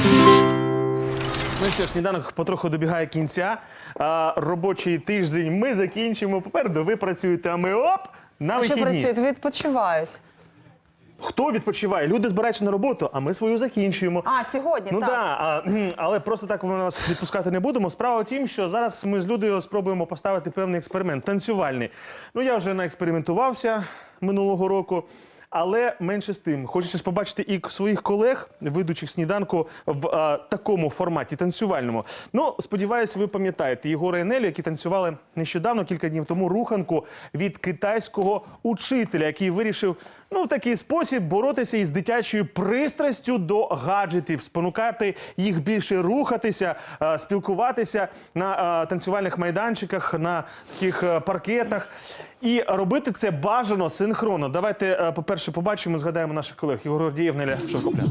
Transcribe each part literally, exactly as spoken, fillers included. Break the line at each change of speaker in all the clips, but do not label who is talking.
Ну що ж, сніданок потроху добігає кінця. А, робочий тиждень ми закінчимо. Попереду ви працюєте, а ми оп, на
А що
вихідні.
працюють? Відпочивають.
Хто відпочиває? Люди збираються на роботу, а ми свою закінчуємо.
А, сьогодні,
Ну
так.
да, а, кхм, але просто так ми нас відпускати не будемо. Справа в тім, що зараз ми з Людою спробуємо поставити певний експеримент, танцювальний. Ну я вже наекспериментувався минулого року. Але менше з тим, хочеться побачити і своїх колег, ведучих сніданку, в а, такому форматі танцювальному. Ну, сподіваюся, ви пам'ятаєте Єгора і Нелю, які танцювали нещодавно, кілька днів тому, руханку від китайського учителя, який вирішив, ну, в такий спосіб боротися із дитячою пристрастю до гаджетів, спонукати їх більше рухатися, а, спілкуватися на а, танцювальних майданчиках, на таких а, паркетах. І робити це бажано синхронно. Давайте, е, по-перше, побачимо, згадаємо наших колег. Єгор Гордієв, Неля Шовкопляс.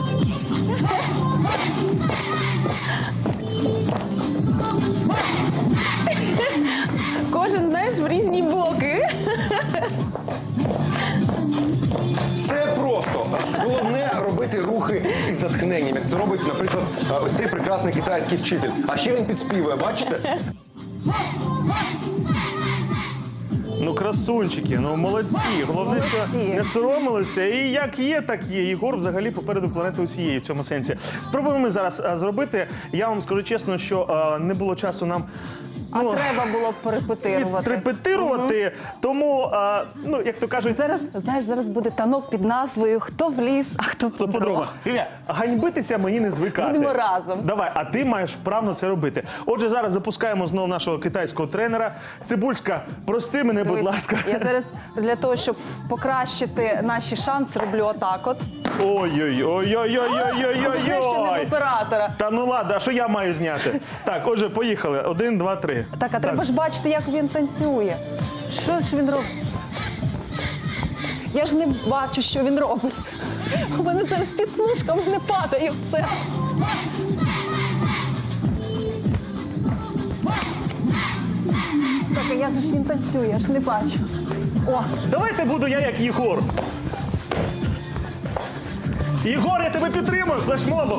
Кожен, знаєш, в різні боки.
Все просто. Головне робити рухи із натхненням, як це робить, наприклад, ось цей прекрасний китайський вчитель. А ще він підспівує, бачите?
Ну, красунчики, ну, молодці. Головне, що
Молодці.
не соромилися. І як є, так є. Єгор взагалі попереду планети усієї в цьому сенсі. Спробуємо ми зараз а, зробити. Я вам скажу чесно, що а, не було часу нам...
А треба було б порепетирувати.
Репетирувати, тому, а, ну, як то кажуть,
Зараз, знаєш, зараз буде танок під назвою «Хто в ліс, а хто по
подруга.
дрова».
Ілля, ганьбитися мені не звикати.
Будемо разом.
Давай, а ти маєш вправно це робити. Отже, зараз запускаємо знову нашого китайського тренера. Цибульська, прости мене, будь
Дивись,
ласка.
Я зараз для того, щоб покращити наші шанси, роблю отак от.
Ой-ой-ой-ой-ой-ой-ой-ой-ой.
Знаєш, що не в оператора.
Та ну ладно, а що я маю зняти? Так, отже, поїхали. Один, два, три.
Так, а треба ж бачити, як він танцює. Що ж він робить? Я ж не бачу, що він робить. У мене зараз підслужка, в мене падає все. Так, а як же ж він танцює? Я ж не бачу. О,
Давайте буду я як Єгор. Єгор, я тебе підтримую флешмобом.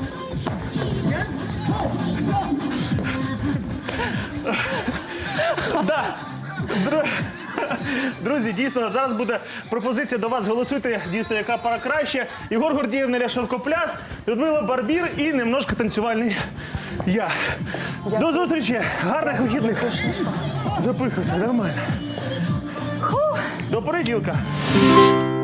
Да. Дру- Друзі, дійсно, зараз буде пропозиція до вас. Голосуйте, дійсно, яка пара краще. Єгор Гордієв, Неля Шовкопляс, Людмила Барбір і немножко танцювальний я. До зустрічі, гарних вихідних. Запихався, нормально. До понеділка.